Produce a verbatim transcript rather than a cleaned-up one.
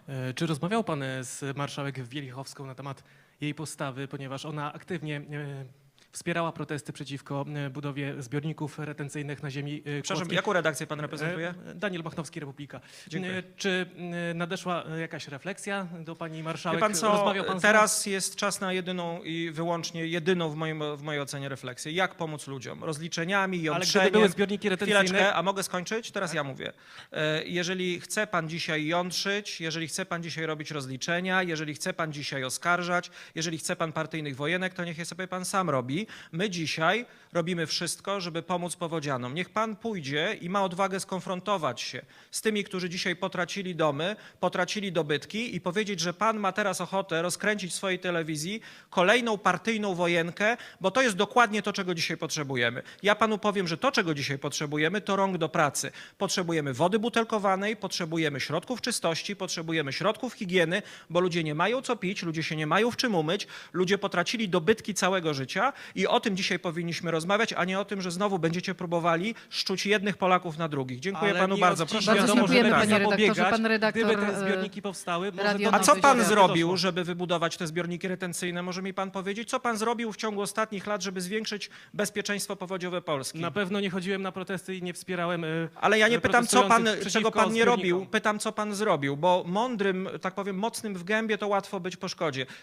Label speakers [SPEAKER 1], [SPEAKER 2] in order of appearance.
[SPEAKER 1] E, Czy rozmawiał pan e, z marszałek Wielichowską na temat jej postawy, ponieważ ona aktywnie e, wspierała protesty przeciwko e, budowie zbiorników retencyjnych na ziemi e,
[SPEAKER 2] Przepraszam,
[SPEAKER 1] kłodzkiej?
[SPEAKER 2] jaką redakcję pan reprezentuje?
[SPEAKER 1] E, Daniel Machnowski, Republika.
[SPEAKER 2] Dziękuję.
[SPEAKER 1] E, Czy e, nadeszła e, jakaś refleksja do pani
[SPEAKER 2] Wie
[SPEAKER 1] marszałek?
[SPEAKER 2] pan co,
[SPEAKER 1] Rozmawiał pan z nią?
[SPEAKER 2] teraz jest czas na jedyną i wyłącznie jedyną w, moim, w mojej ocenie refleksję. Jak pomóc ludziom? Rozliczeniami,
[SPEAKER 1] Ale
[SPEAKER 2] jątrzeniem.
[SPEAKER 1] gdyby były zbiorniki retencyjne...
[SPEAKER 2] Chwileczkę, a mogę skończyć? Teraz ja mówię. E, Jeżeli chce pan dzisiaj jątrzyć, jeżeli chce pan dzisiaj robić rozliczenia, jeżeli chce pan dzisiaj oskarżać, jeżeli chce pan partyjnych wojenek, to niech je sobie pan sam robi. My dzisiaj robimy wszystko, żeby pomóc powodzianom. Niech pan pójdzie i ma odwagę skonfrontować się z tymi, którzy dzisiaj potracili domy, potracili dobytki i powiedzieć, że pan ma teraz ochotę rozkręcić w swojej telewizji kolejną partyjną wojenkę, bo to jest dokładnie to, czego dzisiaj potrzebujemy. Ja panu powiem, że to, czego dzisiaj potrzebujemy, to rąk do pracy. Potrzebujemy wody butelkowanej, potrzebujemy środków czystości, potrzebujemy środków higieny, bo ludzie nie mają co pić, ludzie się nie mają w czym umyć, ludzie potracili dobytki całego życia i o tym dzisiaj powinniśmy rozmawiać, a nie o tym, że znowu będziecie próbowali szczuć jednych Polaków na drugich. Dziękuję
[SPEAKER 1] Ale
[SPEAKER 2] panu
[SPEAKER 1] nie
[SPEAKER 2] bardzo.
[SPEAKER 1] od dziś
[SPEAKER 2] Proszę
[SPEAKER 3] Bardzo
[SPEAKER 1] wiadomo,
[SPEAKER 3] dziękujemy,
[SPEAKER 1] żeby
[SPEAKER 3] panie
[SPEAKER 1] tak
[SPEAKER 3] redaktorze.
[SPEAKER 1] zapobiegać.
[SPEAKER 3] Pan redaktor,
[SPEAKER 1] Gdyby te
[SPEAKER 3] e,
[SPEAKER 1] zbiorniki powstały, może
[SPEAKER 3] Radio
[SPEAKER 1] do
[SPEAKER 2] A co
[SPEAKER 3] Nowy
[SPEAKER 2] pan
[SPEAKER 3] Świat
[SPEAKER 2] zrobił,
[SPEAKER 1] doszło.
[SPEAKER 2] żeby wybudować te zbiorniki retencyjne? Może mi pan powiedzieć, co pan zrobił w ciągu ostatnich lat, żeby zwiększyć bezpieczeństwo powodziowe Polski?
[SPEAKER 1] Na pewno nie chodziłem na protesty i nie wspierałem. e,
[SPEAKER 2] Ale ja nie pytam, co pan,
[SPEAKER 1] protestujących
[SPEAKER 2] czego
[SPEAKER 1] przeciwko
[SPEAKER 2] pan nie robił,
[SPEAKER 1] zbiornikom.
[SPEAKER 2] pytam, co pan zrobił, bo mądrym, tak powiem, mocnym w gębie to łatwo być po szkodzie.